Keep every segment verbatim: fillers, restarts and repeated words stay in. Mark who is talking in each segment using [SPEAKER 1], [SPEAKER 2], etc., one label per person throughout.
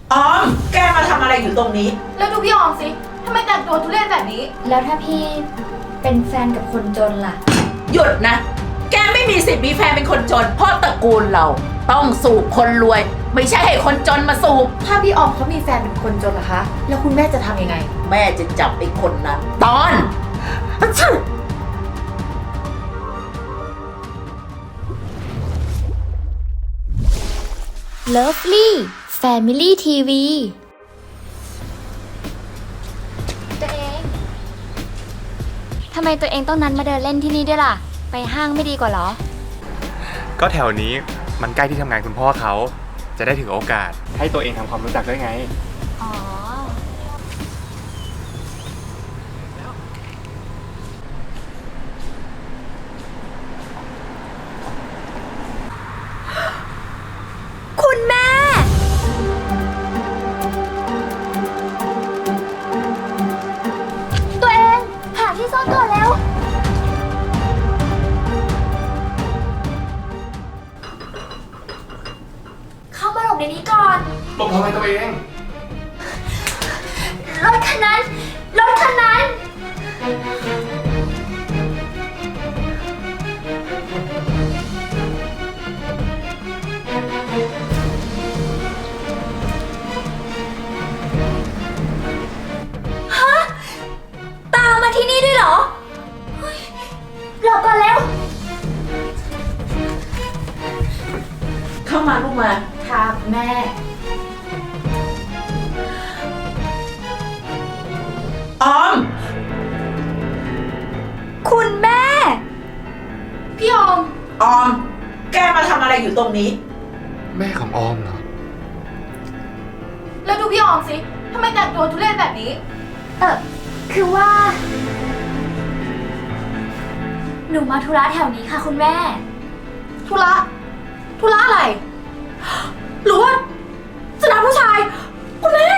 [SPEAKER 1] ออมแกมาทำอะไรอยู่ตรงนี้
[SPEAKER 2] แล้วดูพี่ออมสิทำไมแต่งตัวทุเรศแบบนี้
[SPEAKER 3] แล้วถ้าพี่เป็นแฟนกับคนจนล่ะ
[SPEAKER 1] หยุดนะ แกไม่มีสิทธิ์มีแฟนเป็นคนจนเพราะตระกูลเรา ต้องสูบคนรวย ไม่ใช่ให้คนจนมาสูบ
[SPEAKER 2] ถ้าพี่ออมเขามีแฟนเป็นคนจนล่ะคะ แล้วคุณแม่จะทำยังไง
[SPEAKER 1] แม่จะจับไอ้คนนั้น ตอน
[SPEAKER 3] Lovely Family ที วี ตัวเอง ทำไมตัวเองต้องนัดมาเดินเล่นที่นี่ด้วยล่ะ ไปห้างไม่ดีกว่าเหรอ
[SPEAKER 4] ก็แถวนี้มันใกล้ที่ทำงานคุณพ่อเขา จะได้ถือโอกาส ให้ตัวเองทำความรู้จักด้วยไง
[SPEAKER 3] อ๋อ คุณแม่ ตัวเอง หาที่ซ่อนตัวแล้ว เข้ามาหลบในนี้ก่อน
[SPEAKER 4] หลบทำไมตัวเอง
[SPEAKER 3] รถคันนั้น รถคันนั้น ฮะ ตามมาที่นี่ด้วยเหรอเฮ้ยหลบก่อนแล้ว
[SPEAKER 1] เข้ามาลูกมา
[SPEAKER 2] ค่ะแม่
[SPEAKER 1] ออม
[SPEAKER 3] คุณแม่
[SPEAKER 2] พี่ออม
[SPEAKER 1] ออม แกมาทำอะไรอยู่ตรงนี้
[SPEAKER 4] แม่ของออมเหรอ
[SPEAKER 2] แล้วดูพี่ออมสิทำไมแต่งตัวทุเรศแบบนี้
[SPEAKER 3] เออคือว่า หนูมาธุระแถวนี้ค่ะคุณแม่
[SPEAKER 2] ธุระ ธุระอะไร หรือว่าจะนัดผู้ชาย คุณแม่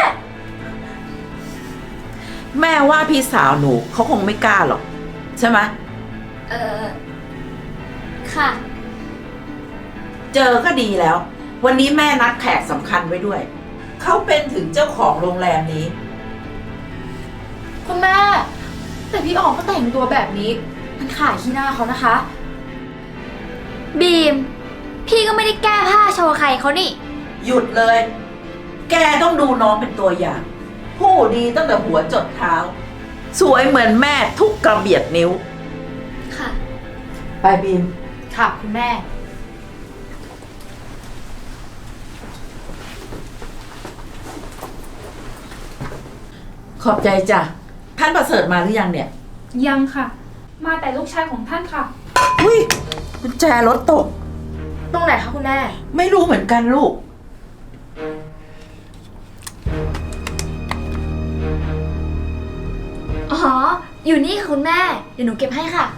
[SPEAKER 1] แม่ว่าพี่สาวหนูเขาคงไม่กล้าหรอก ใช่ไหม
[SPEAKER 3] เออค่ะ
[SPEAKER 1] เจอก็ดีแล้ว วันนี้แม่นัดแขกสำคัญไว้ด้วย เขาเป็นถึงเจ้าของโรงแรมนี้
[SPEAKER 2] คุณแม่ แต่พี่ออมก็แต่งตัวแบบนี้ มันขายขี้หน้าเขานะคะ
[SPEAKER 3] บีม พี่ก็ไม่ได้แก้ผ้าโชว์ใครเขานี่
[SPEAKER 1] หยุดเลย แกต้องดูน้องเป็นตัวอย่าง ผู้ดีตั้งแต่หัวจดเท้า สวยเหมือนแม่ทุกกระเบียดนิ้ว
[SPEAKER 3] ค่ะ
[SPEAKER 1] ไปบีม
[SPEAKER 2] ค่ะคุณแม่
[SPEAKER 1] ขอบใจจ้ะ ท่านประเสริฐมาหรือยังเนี่ย
[SPEAKER 5] ยังค่ะ มาแต่ลูกชายของท่านค่ะ
[SPEAKER 1] อุ้ยกุญแจรถตก
[SPEAKER 2] ตรงไหนคะคุณแม่
[SPEAKER 1] ไม่รู้เหมือนกันลูก
[SPEAKER 3] อ๋อ อยู่นี่ค่ะคุณแม่ เดี๋ยวหนูเก็บให้ค่ะ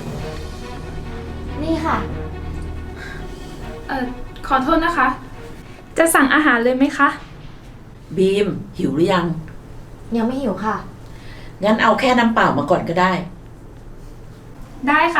[SPEAKER 3] นี่ค่ะ
[SPEAKER 5] เอ่อ ขอโทษนะคะ จะสั่งอาหารเลยไหมคะ
[SPEAKER 1] บีม หิวหรือยัง
[SPEAKER 2] ยังไม่หิวค่ะ
[SPEAKER 1] งั้นเอาแค่น้ำเปล่ามาก่อนก็ได้
[SPEAKER 5] ได้ค่ะ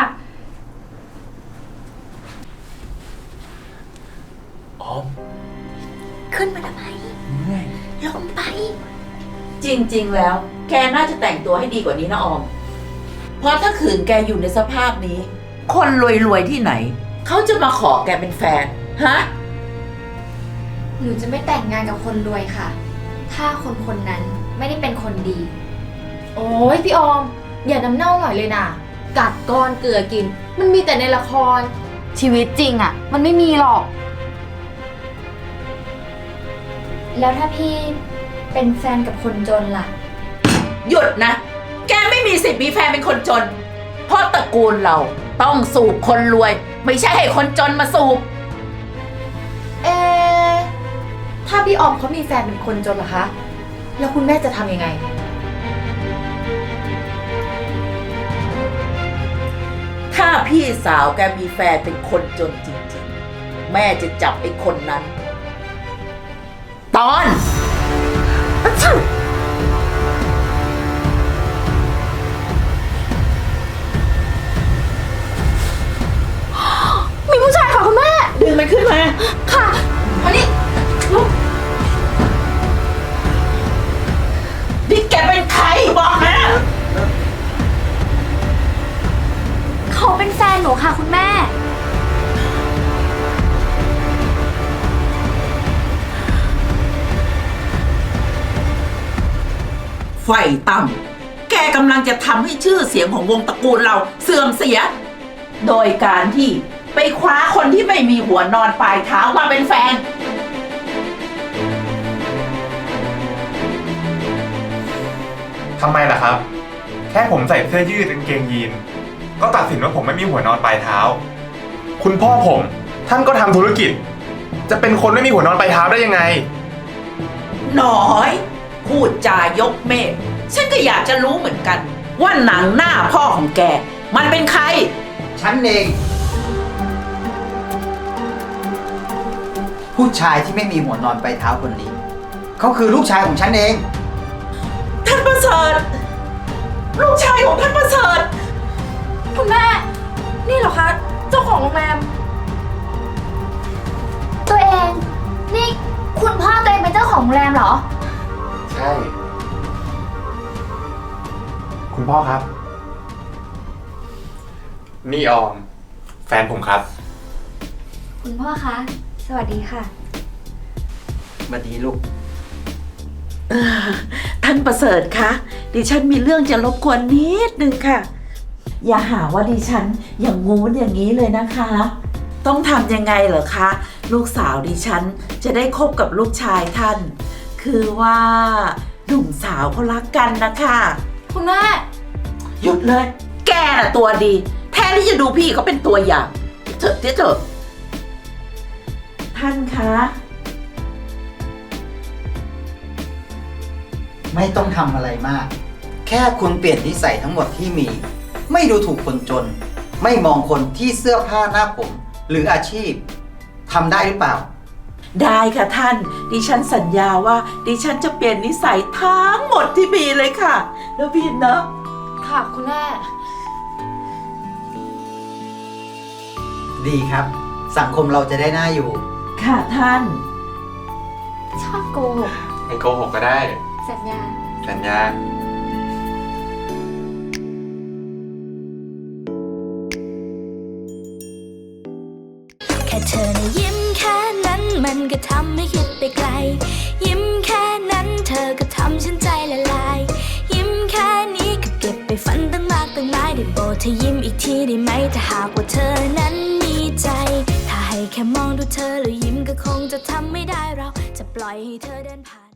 [SPEAKER 4] ออม
[SPEAKER 3] ขึ้นมาทำไมลงไป
[SPEAKER 1] จริงๆ แล้ว แกน่าจะแต่งตัวให้ดีกว่านี้นะออม เพราะถ้าขืนแกอยู่ในสภาพนี้ คนรวยๆ ที่ไหน เขาจะมาขอแกเป็นแฟน ฮะ
[SPEAKER 3] หนูจะไม่แต่งงานกับคนรวยค่ะ ถ้าคนคนนั้นไม่ได้เป็นคนดี
[SPEAKER 2] โอ้ยพี่ออม อย่าน้ำเน่าหน่อยเลยนะกัดก้อนเกลือกิน มันมีแต่ในละคร ชีวิตจริงอะมันไม่มีหรอก
[SPEAKER 3] แล้วถ้าพี่เป็นแฟนกับคนจนล่ะ
[SPEAKER 1] หยุดนะ แกไม่มีสิทธิ์มีแฟนเป็นคนจน เพราะตระกูลเรา ต้องสูบคนรวย ไม่ใช่ให้คนจนมาสูบ
[SPEAKER 2] เอะถ้าพี่ออมเขามีแฟนเป็นคนจนเหรอคะ แล้วคุณแม่จะทำยังไง
[SPEAKER 1] ถ้าพี่สาวแกมีแฟนเป็นคนจนจริงๆ แม่จะจับไอ้คนนั้น ตอนอะชิ่ว
[SPEAKER 2] มีผู้ชายค่ะคุณแม่
[SPEAKER 1] ดึงมันขึ้นมา
[SPEAKER 2] ค่ะมานี่ลุก
[SPEAKER 3] ค่ะคุณแม่
[SPEAKER 1] ไฟต่ำแกกำลังจะทำให้ชื่อเสียงของวงตระกูลเราเสื่อมเสีย โดยการที่ไปคว้าคนที่ไม่มีหัวนอนปลายเท้ามาเป็นแฟน
[SPEAKER 4] ทำไมล่ะครับ แค่ผมใส่เสื้อยืดกางเกงยีนก็ตัดสินว่าผมไม่มีหัวนอนปลายเท้า คุณพ่อผมท่านก็ทำธุรกิจ จะเป็นคนไม่มีหัวนอนปลายเท้าได้ยังไง
[SPEAKER 1] หน้อย พูดจายกเมฆฉันก็อยากจะรู้เหมือนกัน ว่าหนังหน้าพ่อของแก มันเป็นใคร
[SPEAKER 6] ฉันเอง ผู้ชายที่ไม่มีหัวนอนปลายเท้าคนนี้ เขาคือลูกชายของฉันเอง
[SPEAKER 1] ท่านประเสริฐลูกชายของท่านประเสริฐ
[SPEAKER 2] คุณแม่ นี่เหรอคะ เจ้าของโรงแรม
[SPEAKER 3] ตัวเอง นี่คุณพ่อตัวเองเป็นเจ้าของโรงแรมเหรอ
[SPEAKER 4] ใช่ คุณพ่อครับ นี่ออม แฟนผมครับ
[SPEAKER 3] คุณพ่อคะ สวัสดีค่ะ
[SPEAKER 6] มาดีลูก
[SPEAKER 1] ท่านประเสริฐคะดิฉันมีเรื่องจะรบกวนนิดนึงค่ะ อย่าหาว่าดิฉันอย่างงู้นอย่างนี้เลยนะคะ ต้องทำยังไงเหรอคะ ลูกสาวดิฉันจะได้คบกับลูกชายท่าน คือว่าหนุ่มสาวเขารักกันนะคะ
[SPEAKER 2] คุณแม่
[SPEAKER 1] หยุดเลย แกน่ะตัวดี แทนที่จะดูพี่เขาเป็นตัวอย่างเถอะเถอะท่านคะ
[SPEAKER 6] ไม่ต้องทำอะไรมาก แค่คุณเปลี่ยนนิสัยทั้งหมดที่มี ไม่ดูถูกคนจน ไม่มองคนที่เสื้อผ้าหน้าผม หรืออาชีพทำได้หรือเปล่า
[SPEAKER 1] ได้ค่ะท่าน ดิฉันสัญญาว่า ดิฉันจะเปลี่ยนนิสัยทั้งหมดที่มีเลยค่ะแล้วพี่เนาะ
[SPEAKER 2] ค่ะคุณแม่
[SPEAKER 6] ดีครับ สังคมเราจะได้น่าอยู่
[SPEAKER 1] ค่ะท่าน
[SPEAKER 3] ชอบโกหก
[SPEAKER 4] ไม่โกหกก็ได้
[SPEAKER 3] สัญญา
[SPEAKER 4] สัญญา
[SPEAKER 7] แค่เธอนะยิ้มแค่นั้นมันก็ทำให้คิดไปไกล ยิ้มแค่นั้นเธอก็ทำฉันใจละลาย ยิ้มแค่นี้ก็เก็บไปฝันตั้งมากตั้งหลายได้โปรดเธอยิ้มอีกทีได้ไหมถ้าหากว่าเธอนั้นมีใจ ถ้าให้แค่มองดูเธอแล้วยิ้มก็คงจะทำไม่ได้เราจะปล่อยให้เธอเดินผ่าน